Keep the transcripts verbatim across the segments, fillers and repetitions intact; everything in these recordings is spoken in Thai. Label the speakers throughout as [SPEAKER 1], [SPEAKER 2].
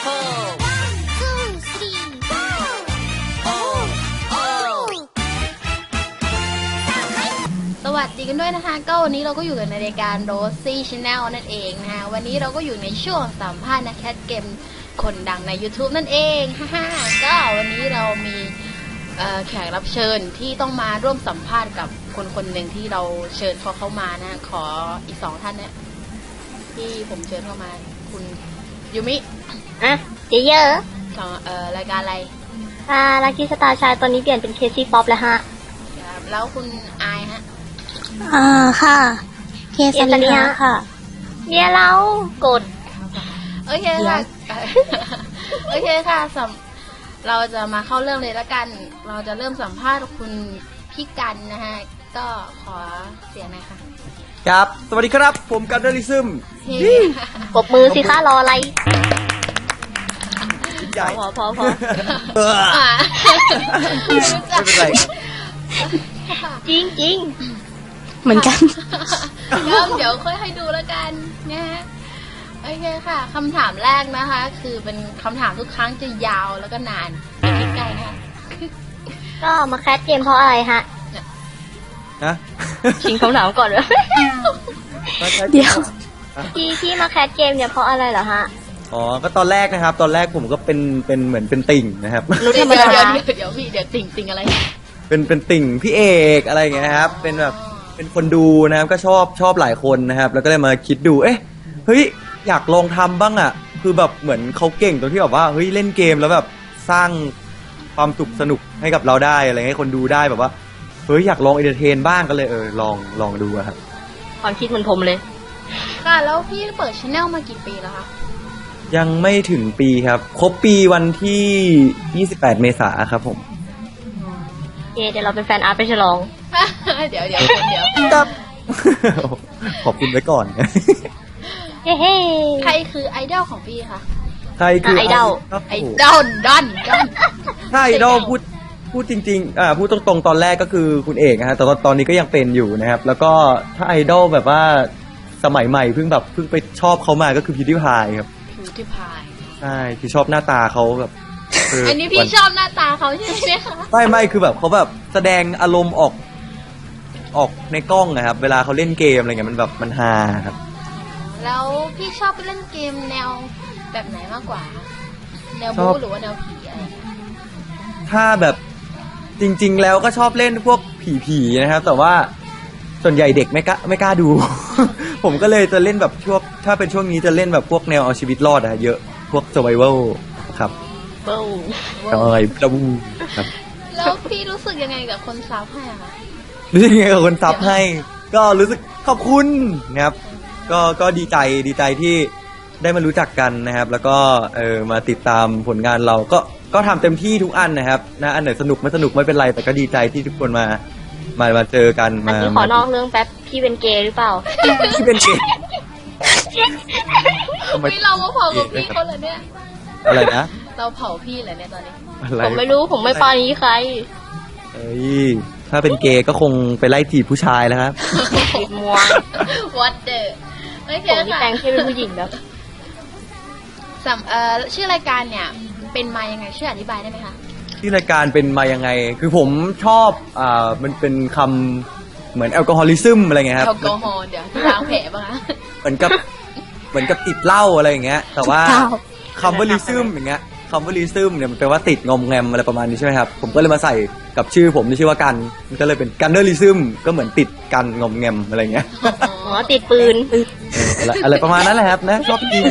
[SPEAKER 1] สวัสดีกันด้วยนะคะก็วันนี้เราก็อยู่กันในรายการ Rosie Channel นั่นเองนะคะวันนี้เราก็อยู่ในช่วงสัมภาษณ์นักแคสเกมคนดังใน YouTube นั่นเองฮ่าๆก็วันนี้เรามีแขกรับเชิญที่ต้องมาร่วมสัมภาษณ์กับคนคนหนึ่งที่เราเชิญเขาเข้ามานะขออีกสองท่านเนี่ยที่ผมเชิญเข้ามาคุณยูมิ
[SPEAKER 2] อ่ะเจเยอร์
[SPEAKER 1] ของเอ่อรายการอะไร
[SPEAKER 2] อ่าลักกี้สตาร์ชายตอนนี้เปลี่ยนเป็นเคซี่ป๊อปแล้วฮะ
[SPEAKER 1] ครับแล้วคุณอายฮะ
[SPEAKER 2] อ่าค่ะเคสเนียค่ะเนี่ยเรากด
[SPEAKER 1] โอเคค่ะโอเคค่ะเราจะมาเข้าเรื่องเลยละกันเราจะเริ่มสัมภาษณ์คุณพี่กันนะฮะก็ขอเสียงหน่อยค่ะ
[SPEAKER 3] ครับสวัสดีครับผมกันเดอริซึม
[SPEAKER 2] ปรบมือสิคะรออะไร
[SPEAKER 3] ใหญ่
[SPEAKER 2] พอพอพอ
[SPEAKER 3] ไม่เป็นไร
[SPEAKER 2] จริงจริงเหมือนกัน
[SPEAKER 1] เดี๋ยวค่อยให้ดูแล้วกันนะฮะโอเคค่ะคำถามแรกนะคะคือเป็นคำถามทุกครั้งจะยาวแล้วก็นานใกล้ๆค่ะ
[SPEAKER 2] ก็มาแคสเกมเพราะอะไรฮะ
[SPEAKER 3] นะ
[SPEAKER 2] ชิงคำถามก่อนเลยเดี๋ยวที่ที่มาแคสเกมเนี่ยเพราะอะไรเหรอฮะ
[SPEAKER 3] อ๋อก็ตอนแรกนะครับตอนแรกผมก็เป็นเป็นเหมือนเป็นติ่งนะครับ
[SPEAKER 2] รู้ธรรมดา
[SPEAKER 1] เดี๋ยวพี่เดี๋ยวติ่งติ่งอะไร
[SPEAKER 3] เป็นเป็นติ่งพี่เอกอะไรอย่างเงี้ยครับเป็นแบบเป็นคนดูนะครับก็ชอบชอบหลายคนนะครับแล้วก็เลยมาคิดดูเอ๊ะเฮ้ยอยากลองทำบ้างอ่ะคือแบบเหมือนเขาเก่งตรงที่แบบว่าเฮ้ยเล่นเกมแล้วแบบสร้างความสุขสนุกให้กับเราได้อะไรให้คนดูได้แบบว่าเฮ้ยอยากลองเอนเตอร์เทนบ้างก็เลยเออลองลองดูครับ
[SPEAKER 2] ความคิดเหมือนผมเลย
[SPEAKER 1] ค่ะแล้วพี่เปิดช anel มากี่ปีแล้วคะ
[SPEAKER 3] ยังไม่ถึงปีครับครบปีวันที่ยี่สิบแปดเมษายนครับผม
[SPEAKER 2] เดี๋ยวเราเป็นแฟนอาร์ตไปฉลอง
[SPEAKER 1] เดี๋ยวเดี๋ยวเดี๋ยว
[SPEAKER 3] ขอบคุณไว้ก่อน
[SPEAKER 2] เฮ้
[SPEAKER 1] ใครคือไอดอลของพี่คะ
[SPEAKER 3] ใครคือ
[SPEAKER 2] ไอดอล
[SPEAKER 1] ไอดอลดอนดอน
[SPEAKER 3] ถ้าไอดอลพูดพูดจริงๆอ่าพูดตรงๆตอนแรกก็คือคุณเอกนะฮะแต่ตอนนี้ก็ยังเป็นอยู่นะครับแล้วก็ถ้าไอดอลแบบว่าสมัยใหม่เพิ่งแบบเพิ่งไปชอบเขามาก็คือพิวดี้พายครับ
[SPEAKER 1] พิวดี้พาย
[SPEAKER 3] ใช่คือชอบหน้าตาเขาแบบ
[SPEAKER 1] อันนี้พี่ชอบหน้าตาเขาใช่ไหมคะ
[SPEAKER 3] ไม่ไม่คือแบบเขาแบบแสดงอารมณ์ออกออกในกล้องนะครับเวลาเขาเล่นเกมอะไรเงี้ยมันแบบมันฮาครับ
[SPEAKER 1] แล้วพี่ชอบเล่นเกมแนวแบบไหนมากกว่าแนวบู๊หรือว่าแนวผีอะไร
[SPEAKER 3] ถ้าแบบจริงๆแล้วก็ชอบเล่นพวกผีๆนะครับแต่ว่าส่วนใหญ่เด็กไม่กล้าไม่กล้าดู ผมก็เลยจะเล่นแบบช่วงถ้าเป็นช่วงนี้จะเล่นแบบพวกแนวเอาชีวิตรอดอะเยอะพวก survival ครับ
[SPEAKER 2] เบ้า
[SPEAKER 3] อะไรดับบูครับ
[SPEAKER 1] แล้วพี่รู้สึกยังไงกับคนซับให้อะคะ
[SPEAKER 3] รู้สึกยังไงกับคนซับให้ก็รู้สึกขอบคุณนะครับก็ก็ดีใจดีใจที่ได้มารู้จักกันนะครับแล้วก็เออมาติดตามผลงานเราก็ก็ทำเต็มที่ทุกอันนะครับนะอันไหนสนุกไม่สนุกไม่เป็นไรแต่ก็ดีใจที่ทุกคนมามามาเจอกันมา
[SPEAKER 2] อันนี้ขอนอกเรื่องแป๊บพี่เป็นเกย์หรือเปล่า
[SPEAKER 3] พี่เป็นเกย์
[SPEAKER 1] ทำไมเรามาเผากับพี่เขาเลยเนี่ย
[SPEAKER 3] อะไรนะ
[SPEAKER 1] เราเผาพี่เลยเนี่ยตอนนี้
[SPEAKER 2] ผมไม่รู้ผมไม่ปานี้ใคร
[SPEAKER 3] เอ้ยถ้าเป็นเกย์ก็คงไปไล่จีบผู้ชายแล้วครับ
[SPEAKER 2] จีบมัว
[SPEAKER 1] What the โอเคค่ะผม
[SPEAKER 2] แต่งแค่เป็นผู้หญิงแล้ว
[SPEAKER 1] สัมเอ่อชื่อรายการเนี่ยเป็นมายังไงช่วยอธิบายได้ไหมคะ
[SPEAKER 3] ที่รายการเป็นมายังไงคือผมชอบอ่ามันเป็นคำเหมือนแอลกอฮอลิซึมอะไรเงี้ยครับ
[SPEAKER 1] แอลกอฮอล์เดี๋ยวล้างแผลป่ะคะ
[SPEAKER 3] เหมือนกับเหมือนกับติดเหล้าอะไรอย่างเงี้ยแต่ว่าคำว่าลิซึมอย่างเงี้ยคำว่าลิซึมเนี่ยมันแปลว่าติดงอมแงมอะไรประมาณนี้ใช่ไหมครับผมก็เลยมาใส่กับชื่อผมที่ชื่อว่ากันมันก็เลยเป็นกันเนอร์ลิซึมก็เหมือนติดกันงอมแงมอะไรเงี้ย
[SPEAKER 2] อ๋อติดปืน
[SPEAKER 3] อะไรประมาณนั้นแหละครับนะชอบจริง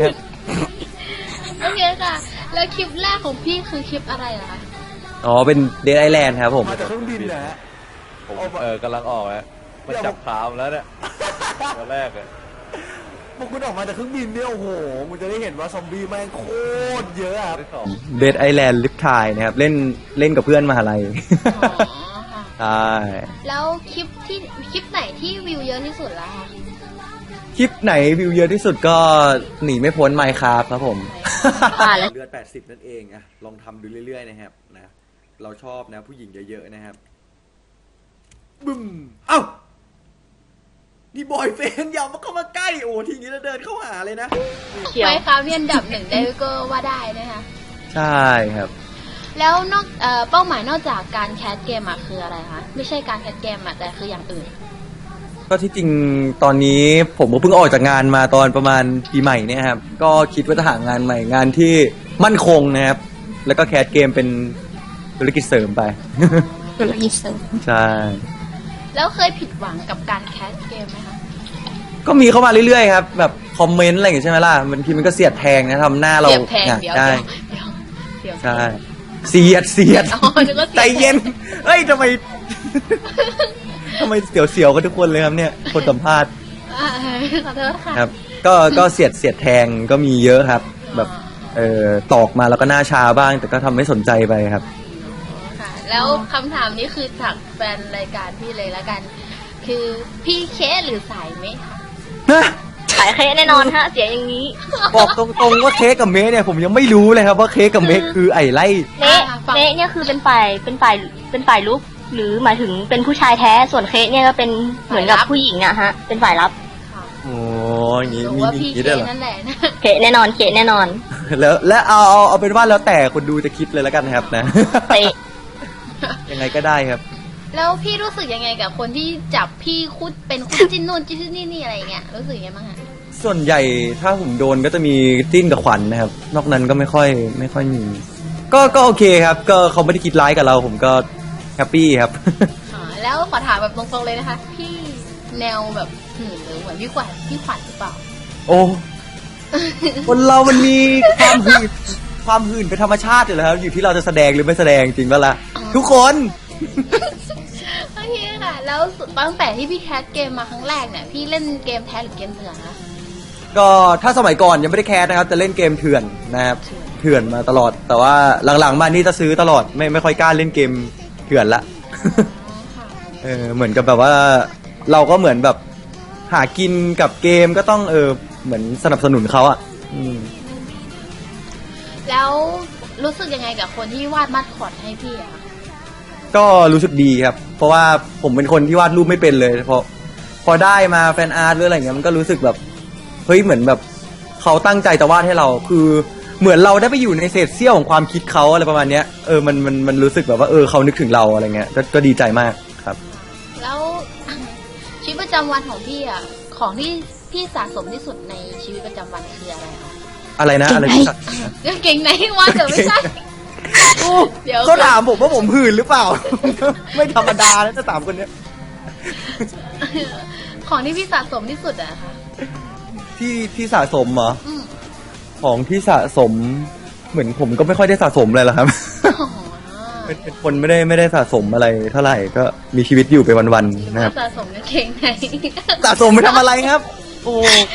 [SPEAKER 1] โอเคค่ะแล้วคลิปแรกของพี่คือคลิปอะไรล่ะคะ
[SPEAKER 3] อ๋อเป็นเดดไอแลนด์ครับผม
[SPEAKER 4] มาจากเครื่องบินนะฮะ
[SPEAKER 5] ผมเออกำลังออกแล้วมาจับขามแล้วเนี่ยตอนแรกเลย
[SPEAKER 4] พวกคุณออกมาจากเครื่องบินเนี่ยโอ้โหมันจะได้เห็นว่าซอมบี้แม่งโคตรเยอะครับ
[SPEAKER 3] เดดไอแลนด์ลิฟทายนะครับเล่นเล่นกับเพื่อนมหาลัยใช่
[SPEAKER 1] แล้วคลิปที่คลิปไหนที่วิวเยอะที่สุดล่ะคะ
[SPEAKER 3] คลิปไหนวิวเยอะที่สุดก็หนีไม่พ้นไมค์ครับครับผมเลือดแปดสิบนั่นเองอะลองทำดูเรื่อยๆนะครับนะเราชอบนะผู้หญิงเยอะๆนะครับบึ้มเอ้านี่บอยเฟนอย่ามาเข้ามาใกล้โอ้ทีนี้เราเดินเข้าหาเลยนะ
[SPEAKER 2] เขียว
[SPEAKER 1] ไมครับเนี่ยอันดับหนึ่งได้ก็ว่าได้นะคะ
[SPEAKER 3] ใช่ครับ
[SPEAKER 1] แล้วนอกเอ่อเป้าหมายนอกจากการแคสเกมอะคืออะไรคะไม่ใช่การแคสเกมอะแต่คืออย่างอื่น
[SPEAKER 3] ก็ที่จริงตอนนี้ผมก็เพิ่งออกจากงานมาตอนประมาณปีใหม่เนี่ยครับก็คิดว่าจะหางานใหม่งานที่มั่นคงนะครับแล้วก็แคสเกมเป็นธุรกิจเสริมไป
[SPEAKER 2] ธุรกิจเสริม
[SPEAKER 3] ใช่
[SPEAKER 1] แล้วเคยผิดหวังกับการแคสเกมไหมคะ
[SPEAKER 3] ก็มีเข้ามาเรื่อยๆครับแบบคอมเมนต์อะไรอย่างเงี้ยใช่ไหมล่ะบางทีมันก็เสียดแทงนะทำหน้าเรา
[SPEAKER 1] เสียบแทง
[SPEAKER 3] อยาก
[SPEAKER 1] เดี๋ยว
[SPEAKER 3] ได้
[SPEAKER 1] เดี๋ยวเดี๋ยว
[SPEAKER 3] ใช่เสียดเสียด
[SPEAKER 1] อ๋อนึกว่าเสียบ
[SPEAKER 3] ใจเย็นเอ้ยทำไม ทำไมเสียวๆกันทุกคนเลยครับเนี่ยคนสัมภาษณ์
[SPEAKER 1] อ่าขอโทษค่ะ
[SPEAKER 3] ครับ ก็ก็เสียดเสียดแทงก็มีเยอะครับ แบบเออตอกมาแล้วก็หน้าชาบ้าง แต่ก็ทำไม่สนใจไปครับ
[SPEAKER 1] ค่ะ แล้วคำถามนี้คือจากแฟนรายการพี่เลยละกัน คือพี่เคสหรือสายไหมคะ
[SPEAKER 2] ขายเค้กแน่นอนฮะ เสียอย่างนี้
[SPEAKER 3] บอกตรงๆว่าเค้กกับเมสเนี่ยผมยังไม่รู้เลยครับว่าเค้กกับเมสคือไอ้ไล่
[SPEAKER 2] เนะเนะเนี่ยคือเป็นฝ่ายเป็นฝ่ายเป็นฝ่ายลุกหรือหมายถึงเป็นผู้ชายแท้ส่วนเค้กเนี่ยก็เป็นเหมือนกับผู้หญิงอะฮะ เป็นฝ่ายรับ
[SPEAKER 1] ค่ะ
[SPEAKER 3] โอ้ยอย่างงี้
[SPEAKER 1] รู้
[SPEAKER 3] มี
[SPEAKER 1] ว่า
[SPEAKER 3] มี
[SPEAKER 1] พี่
[SPEAKER 3] อย่างงี้
[SPEAKER 1] เค
[SPEAKER 3] ด้วยเหรอ
[SPEAKER 1] นั่นแหละนะ
[SPEAKER 2] เค้กแน่นอนเค้กแน่นอน
[SPEAKER 3] แล้วและเอาเอาเอาเป็นว่าแล้วแต่คนดูจะคิดเลยแล้วกันนะครับนะ
[SPEAKER 2] เตะ
[SPEAKER 3] ยังไงก็ได้ครับ
[SPEAKER 1] แล้วพี่รู้สึกยังไงกับคนที่จับพี่คุดเป็นคุดจิ้นนู่นจิ้นนี่นี่อะไรอย่างเงี้ยรู้สึกยังไงบ้างคะ
[SPEAKER 3] ส่วนใหญ่ถ้าผมโดนก็จะมีจิ้นกับขวัญนะครับ นอกนั้นก็ไม่ค่อยไม่ค่อยมี ก็ก็โอเคครับ ก็เขาไม่ได้คิดร้ายกับเรา ผมก็แฮปปี้ครับ
[SPEAKER 1] อ๋อแล้วขอถามแบบตรงๆเลยนะคะ พี่แนวแบบหื่นหรือเหมือนพี่ขวัญพี่ขวัญหรือเปล่า
[SPEAKER 3] โอ้คนเรามันมีความหื่นความหื่นเป็นธรรมชาติอยู่แล้วครับอยู่ที่เราจะแสดงหรือไม่แสดงจริงป่ะล่ะทุกคน
[SPEAKER 1] โอเคค่ะ แล้วตั้งแต่ที่พี่แคสเกมมาครั้งแรกเนี่ยพี่เล่นเกมแท้หรือเกมเถื่อนคะ
[SPEAKER 3] ก็ถ้าสมัยก่อนยังไม่ได้แคสนะครับจะเล่นเกมเถื่อนนะครับเถื่อนมาตลอด แต่ว่าหลังๆมานี่จะซื้อตลอดไม่ไม่ค่อยกล้าเล่นเกมเถื่อนละ
[SPEAKER 1] อ๋อค่ะ
[SPEAKER 3] เออเหมือนกับแบบว่าเราก็เหมือนแบบหากินกับเกมก็ต้องเออเหมือนสนับสนุนเขาอ่ะอืม
[SPEAKER 1] แล้วรู้สึกยังไงกับคนที่วาดมัดคอดให้พี่อะคะ
[SPEAKER 3] ก็รู้สึกดีครับ เพราะว่าผมเป็นคนที่วาดรูปไม่เป็นเลยพอพอได้มาแฟนอาร์ตหรืออะไรเงี้ยมันก็รู้สึกแบบเฮ้ยเหมือนแบบเขาตั้งใจจะวาดให้เราคือเหมือนเราได้ไปอยู่ในเศษเสี้ยวของความคิดเขาอะไรประมาณเนี้ยเออมันมันมันรู้สึกแบบว่าเออเขานึกถึงเราอะไรเงี้ยก็ก็ดีใจมากครับ
[SPEAKER 1] แล้ว ชีวิตประจำวันของพี่อะของที่พี่สะสมที่สุดในชีวิตประจำวันคืออะไรคะ
[SPEAKER 3] อะไรนะอะไรที่สัก
[SPEAKER 1] เก่งไหนวาดเดี๋ยวไม่ใช่ เดี๋ยว
[SPEAKER 3] เขาถามผมว่าผมหื่นหรือเปล่า ไม่ธรรมดานะจะถามคนเนี้ย
[SPEAKER 1] ของที่พี่สะสมที่สุดอะค่ะ
[SPEAKER 3] ที่ที่สะสมเหรอ
[SPEAKER 1] อืม
[SPEAKER 3] ของที่สะสมเหมือนผมก็ไม่ค่อยได้สะสมเลยหรอกครับ
[SPEAKER 1] อ๋อ
[SPEAKER 3] เป็นเป็นคนไม่ได้ไม่ได้สะสมอะไรเท่าไหร่ก็มีชีวิตอยู่ไปวัน
[SPEAKER 1] หรือ
[SPEAKER 3] ๆนะครับ
[SPEAKER 1] ว่าสะสมกางเก่งไหน
[SPEAKER 3] สะสมไปทำอะไรครับ โอ้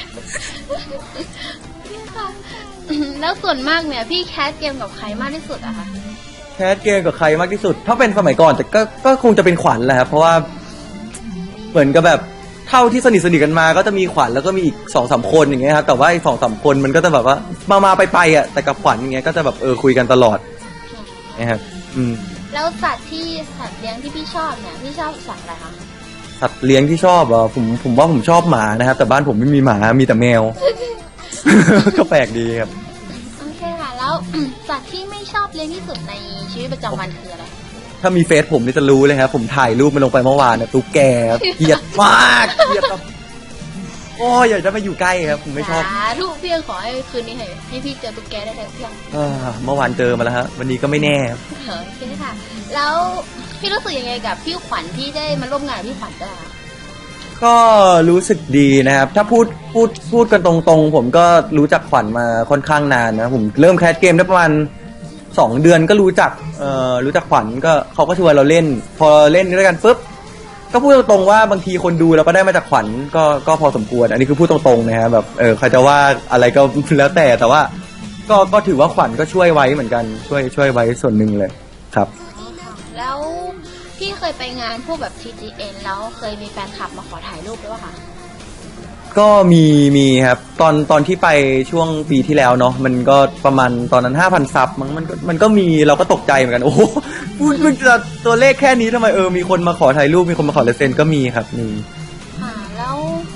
[SPEAKER 1] ค่ะแล้วส่วนมากเนี่ยพี่แคสเกมกับใครมากที่สุดอะคะ
[SPEAKER 3] แคสเกมกับใครมากที่สุด ถ้าเป็นสมัยก่อนแต่ก็ก็คงจะเป็นขวัญแหละครับเพราะว่าเหมือนกับแบบเท่าที่สนิทสนิทกันมาก็จะมีขวัญแล้วก็มีอีกสองสามคนอย่างเงี้ยครับแต่ว่าอีกสองสามคนมันก็จะแบบว่ามามาไปไปอ่ะแต่กับขวัญอย่างเงี้ยก็จะแบบเออคุยกันตลอดนะครับอืม
[SPEAKER 1] แล้วสัตว์ที่สัตว์เลี้ยงที่พี่ชอบเนี่ยพี่ชอบสัตว์อะไรคะ
[SPEAKER 3] สัตว์เลี้ยงที่ชอบเหรอผมผมว่าผมชอบหมานะครับแต่บ้านผมไม่มีหมามีแต่แมว ก็แปลกดีครับ
[SPEAKER 1] โอเคค่ะแล้ว สัตว์ที่ไม่ชอบเลี้ยงที่สุดในชีวิตประจำวันคืออะไร
[SPEAKER 3] ถ้ามีเฟซผมนี่จะรู้เลยครับผมถ่ายรูปมันลงไปเมื่อวานนะตุ๊กแกครับเกลียดมากเกลียดแบบโอ้ยอยากจะมาอยู่ใกล้ครับผมไม่ชอบ
[SPEAKER 1] สาธุเพียงขอให้คืนนี้ให้ให้พี่เจอตุ๊กแกได้เลยเพียง
[SPEAKER 3] เอ่อเมื่อวานเจอมาแล้วฮะวันนี้ก็ไม่แน่ครับ
[SPEAKER 1] โอเคค่ะ แล้วพี่รู้สึกยังไงกับพี่ขวัญที่ได้มาร่วมงานกับพี่ขวัญด้วยคะ
[SPEAKER 3] ก็รู้สึกดีนะครับ ถ้าพูดพูดพูดกันตรงๆ ผมก็รู้จักขวัญมาค่อนข้างนานนะผมเริ่มแคสเกมได้ประมาณสองเดือนก็รู้จักเอ่อรู้จักขวัญก็เขาก็ชวนเราเล่น พอเล่นด้วยกันปุ๊บก็พูดตรงๆว่าบางทีคนดูเราก็ได้มาจากขวัญก็ก็พอสมควร อันนี้คือพูดตรงๆนะฮะแบบเออใครจะว่าอะไรก็ แล้วแต่แต่ว่า ก็ก็ถือว่าขวัญก็ช่วยไว้เหมือนกันช่วยช่วยไว้ส่วนหนึ่งเลยครับ
[SPEAKER 1] แล้วพี่เคยไปงานพวกแบบ ที จี เอ็น แล้วเคยมีแฟนคลับมาขอถ่ายรูปด้วยป่ะคะ
[SPEAKER 3] ก็มีมีครับตอนตอนที่ไปช่วงปีที่แล้วเนาะมันก็ประมาณตอนนั้นห้าพันซับมั้งมันก็มันก็มีเราก็ตกใจเหมือนกันโอ้โหพูดมันจะตัวเลขแค่นี้ทำไมเออมีคนมาขอถ่ายรูปมีคนมาขอลายเซ็นก็มีครับมี
[SPEAKER 1] ค่ะแล้ว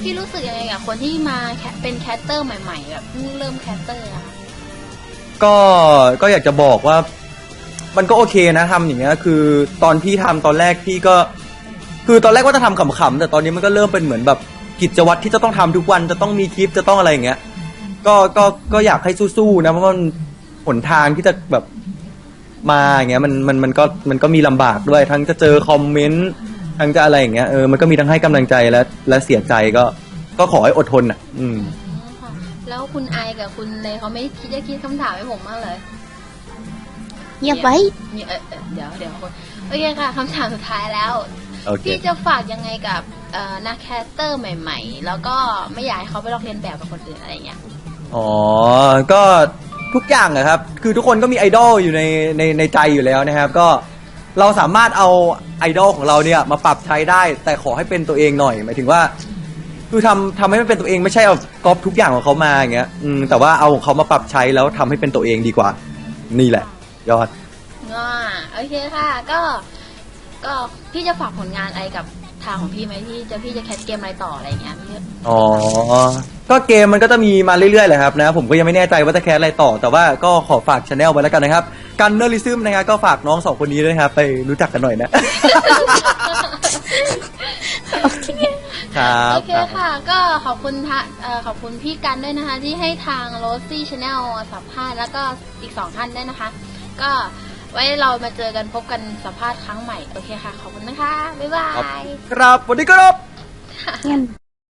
[SPEAKER 1] พี่รู้สึกยังไงกับคนที่มาแคเป็นแคสเตอร์ใหม่ๆแบบเพิ่งเริ่มแคสเตอร์อะ
[SPEAKER 3] ก็ก็อยากจะบอกว่า มันก็โอเคนะทำอย่างเงี้ยคือตอนพี่ทำตอนแรกพี่ก็ คือตอนแรกว่าจะทำขำๆแต่ตอนนี้มันก็เริ่มเป็นเหมือนแบบกิจวัตรที่จะต้องทำทุกวันจะต้องมีคลิปจะต้องอะไรอย่างเงี้ย ก็ก็ก็อยากให้สู้ๆนะเพราะมันหนทางที่จะแบบมาอย่างเงี้ยมันมันมันก็มันก็มีลำบากด้วย ทั้งจะเจอคอมเมนต์ทั้งจะอะไรอย่างเงี้ยเออมันก็มีทั้งให้กำลังใจและและเสียใจก็ก็ขอให้อดทนอ่ะ อืม
[SPEAKER 1] ค่ะแล้วคุณไอกับคุณเลยเขาไม่คิดจะคิดคำถามให้ผมมากเลย
[SPEAKER 2] เงียบไว้
[SPEAKER 1] เนี่ยเออเออเดี๋ยวเดี๋ยวคนโอเคค่ะคำถามสุดท้ายแล้ว
[SPEAKER 3] โอเค
[SPEAKER 1] พี่จะฝากยังไงกับเอ่อนักแคสเตอร์ใหม่ ๆ แล้วก็ไม่อยากให้เขาไปลอกเลียนแบบกับคนอื่นอะไรเงี้ย
[SPEAKER 3] อ๋อ ก็ทุกอย่างอะครับ คือทุกคนก็มีไอดอลอยู่ในในในใจอยู่แล้วนะครับ ก็เราสามารถเอาไอดอลของเราเนี่ยมาปรับใช้ได้ แต่ขอให้เป็นตัวเองหน่อย หมายถึงว่า คือทำทำให้มันเป็นตัวเองไม่ใช่เอาก๊อปทุกอย่างของเขามาอย่างเงี้ย อืม แต่ว่าเอาของเขามาปรับใช้แล้วทำให้เป็นตัวเองดีกว่า นี่แหละ ยอด
[SPEAKER 1] อ่าโอเคค่ะ ก็ ก็พี่จะฝากผลงานอะไรกับทางของพี่ไหมที่จะพี่จะแคสเกมอะไรต่ออะไรเงี้ยพี่
[SPEAKER 3] อ๋อ ก็เกมมันก็จะมีมาเรื่อยๆแหละครับนะ ผมก็ยังไม่แน่ใจว่าจะแคสอะไรต่อ แต่ว่าก็ขอฝากช anel ไว้แล้วกันนะครับ กันเนอร์ลิซึมนะครับก็ฝากน้องสองคนนี้ด้วยนะครับ ไปรู้จักกันหน่อยนะ ครับ
[SPEAKER 1] โอเคค่ะ ก็ขอบคุณทะเอ่อขอบคุณพี่กันด้วยนะคะ ที่ให้ทาง Rosy Channel สัมภาษณ์แล้วก็อีกสองท่านด้วยนะคะ ก็ไว้เรามาเจอกันพบกันสัมภาษณ์ครั้งใหม่ โอเคค่ะ ขอบคุณนะคะ บ๊ายบาย
[SPEAKER 3] ครับสวัสดีครับ
[SPEAKER 2] เงียบ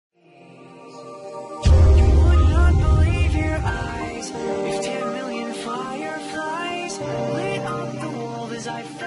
[SPEAKER 6] Would not believe your eyes if ten million fireflies lit up the world as I